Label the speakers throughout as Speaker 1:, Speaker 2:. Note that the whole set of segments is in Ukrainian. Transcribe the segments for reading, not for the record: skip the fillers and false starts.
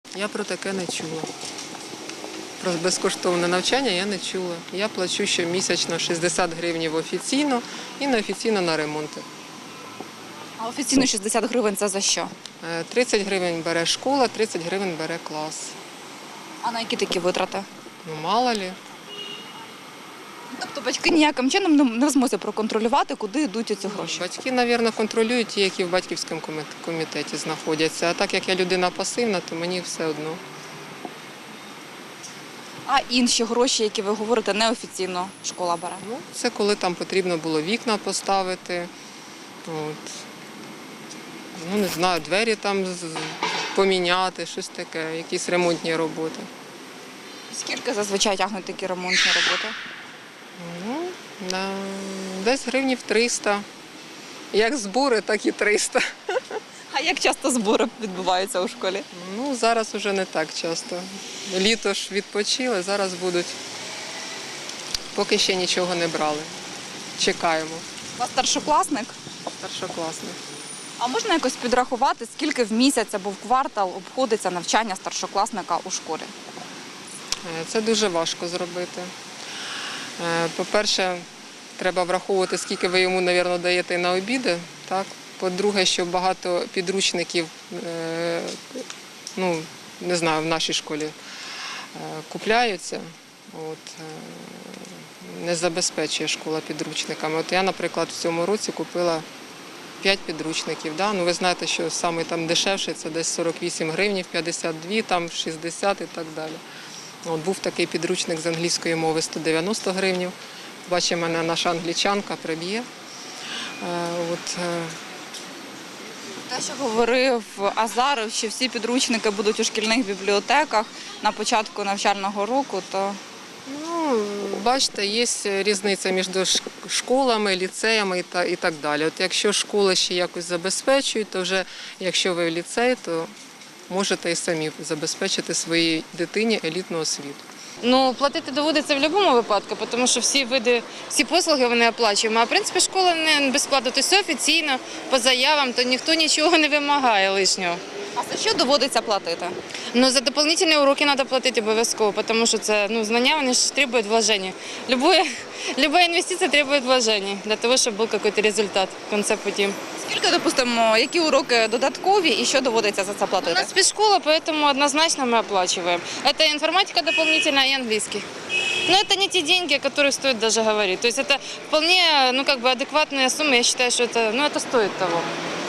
Speaker 1: Я про таке не чула. Про безкоштовне навчання я не чула. Я плачу щомісячно 60 гривень офіційно і неофіційно на ремонти.
Speaker 2: А офіційно 60 гривень – це за що?
Speaker 1: 30 гривень бере школа, 30 гривень бере клас.
Speaker 2: А на які такі витрати?
Speaker 1: Ну, мало лі.
Speaker 2: Тобто батьки ніяким чином не в змозі проконтролювати, куди йдуть ці гроші?
Speaker 1: Батьки, мабуть, контролюють ті, які в батьківському комітеті знаходяться. А так як я людина пасивна, то мені все одно.
Speaker 2: А інші гроші, які ви говорите, неофіційно школа бере?
Speaker 1: Ну, це коли там потрібно було вікна поставити. От. Ну, не знаю, двері там поміняти, щось таке, якісь ремонтні роботи.
Speaker 2: Скільки зазвичай тягнуть такі ремонтні роботи?
Speaker 1: Ну, десь гривнів 300. Як збори, так і 300.
Speaker 2: А як часто збори відбуваються у школі?
Speaker 1: Ну, зараз вже не так часто. Літо ж відпочили, зараз будуть. Поки ще нічого не брали. Чекаємо.
Speaker 2: У вас старшокласник?
Speaker 1: Старшокласник.
Speaker 2: А можна якось підрахувати, скільки в місяць або в квартал обходиться навчання старшокласника у школі?
Speaker 1: Це дуже важко зробити. По-перше, треба враховувати, скільки ви йому, мабуть, даєте на обіди. Так? По-друге, що багато підручників, ну, не знаю, в нашій школі купляються. От, не забезпечує школа підручниками. От я, наприклад, в цьому році купила 5 підручників. Да? Ну, ви знаєте, що саме там дешевший – це десь 48 гривень, 52, там 60 і так далі. От, був такий підручник з англійської мови 190 гривень. Бачить мене наша англічанка, приб'є.
Speaker 2: Те, що говорив Азаров, що всі підручники будуть у шкільних бібліотеках на початку навчального року, то…
Speaker 1: Ну, бачите, є різниця між школами, ліцеями і так далі. От якщо школи ще якось забезпечують, то вже якщо ви в ліцей, то можете і самі забезпечити своїй дитині елітну освіту.
Speaker 3: Ну, платити доводиться в будь-якому випадку, тому що всі послуги вони оплачуємо. А в принципі школа не безплатно, то все офіційно, по заявам, то ніхто нічого не вимагає лишнього.
Speaker 2: А за що доводиться платити?
Speaker 3: Ну, за дополнительні уроки треба платити обов'язково, тому що це знання, вони ж требують вложення. Любая інвестиція требує вложення, для того, щоб був якийсь результат в кінці путі.
Speaker 2: Скільки, допустимо, які уроки додаткові і що доводиться за це
Speaker 3: У
Speaker 2: платити?
Speaker 3: нас спецшкола, поэтому однозначно мы оплачиваем. Это информатика дополнительная и английский. Но это не те деньги, о которых стоит даже говорить. То есть это вполне адекватная сумма. Я считаю, что это стоит того.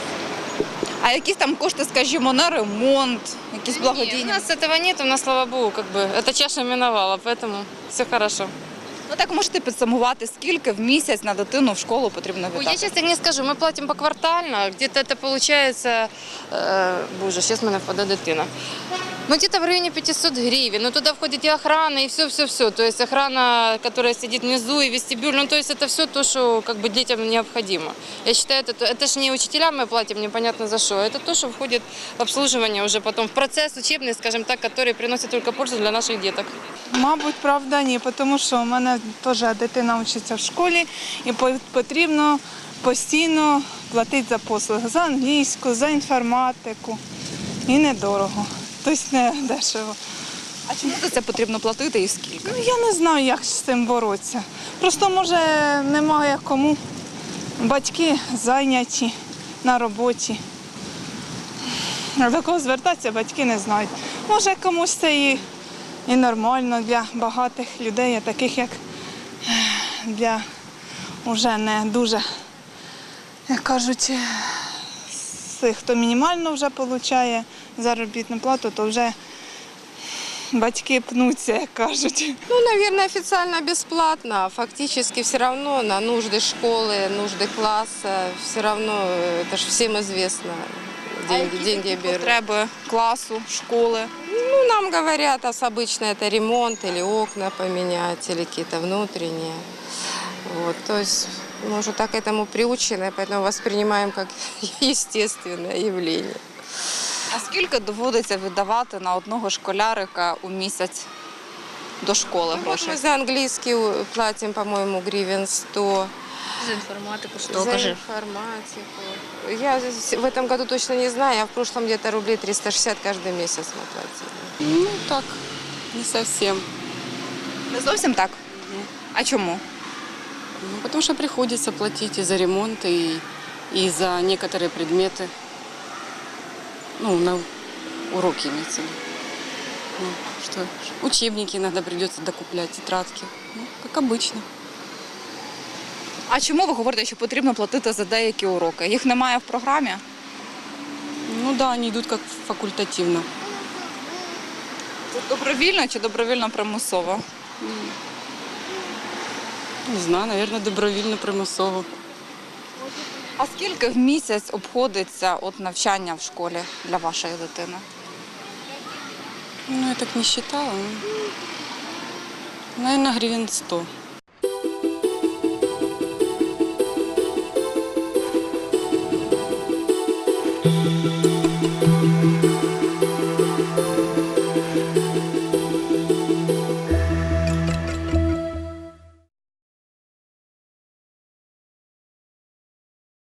Speaker 2: А якісь там кошти, скажімо, на ремонт, якісь
Speaker 3: У
Speaker 2: благодійні?
Speaker 3: нас этого нет, у нас, слава богу, эта чаша миновала, поэтому все хорошо.
Speaker 2: Ну так можете підсумувати, скільки в місяць на дитину в школу потрібно
Speaker 3: Я
Speaker 2: віддати?
Speaker 3: сейчас так не скажу, мы платим поквартально, где-то это получается, боже, сейчас мене впаде дитина. Ну, где-то в районе 500 гривен, но туда входит и охрана, и все-все-все. То есть охрана, которая сидит внизу, и вестибюль, ну, то есть это все то, что детям необходимо. Я считаю, это же не учителям мы платим, непонятно за что, это то, что входит в обслуживание уже потом, в процесс учебный, скажем так, который приносит только пользу для наших деток.
Speaker 4: Мабуть, правда, ні, тому що у мене теж дитина вчиться в школі і потрібно постійно платити за послуги, за англійську, за інформатику. І недорого, тобто не дешево.
Speaker 2: А чому за це потрібно платити і скільки?
Speaker 4: Ну, я не знаю, як з цим боротися. Просто, може, немає кому. Батьки зайняті на роботі. До кого звертатися, батьки не знають. Може, комусь це і нормально для багатих людей, а таких, як для вже не дуже, як кажуть, тих, хто мінімально вже отримує заробітну плату, то вже батьки пнуться, як кажуть.
Speaker 5: Ну, наверное, официально бесплатно, а фактически все равно на нужды школы, нужды класса, все равно, это же всем известно, деньги берут.
Speaker 2: Потреби класу, школи?
Speaker 5: Ну, нам говорят, обычно это ремонт или окна поменять, или какие-то внутренние. Вот, то есть мы уже так к этому приучены, поэтому воспринимаем как естественное явление.
Speaker 2: А скільки доводиться віддавати на одного школярика у місяць до школи
Speaker 5: Вот
Speaker 2: грошей?
Speaker 5: мы за английский платим, по-моему, гривен 100.
Speaker 3: За інформатику,
Speaker 5: За информатику. Я в этом году точно не знаю, а в прошлом где-то рублей 360 каждый месяц мы платили.
Speaker 6: Ну так, не совсем.
Speaker 2: Не зовсім так? А чому?
Speaker 6: Ну, потому что приходится платить и за ремонт, и за некоторые предметы. Ну, на уроки имеется в виду. Ну, что, учебники иногда придется докуплять, тетрадки. Ну, как обычно.
Speaker 2: А чому ви говорите, що потрібно платити за деякі уроки? Їх немає в програмі?
Speaker 6: Ну да, они идут как факультативно.
Speaker 2: Це добровільно чи добровільно примусово?
Speaker 6: Не знаю, наверное, добровільно, примусово.
Speaker 2: А скільки в місяць обходиться от навчання в школі для вашої дитини?
Speaker 6: Ну, я так не считала. Наверное, гривен 100.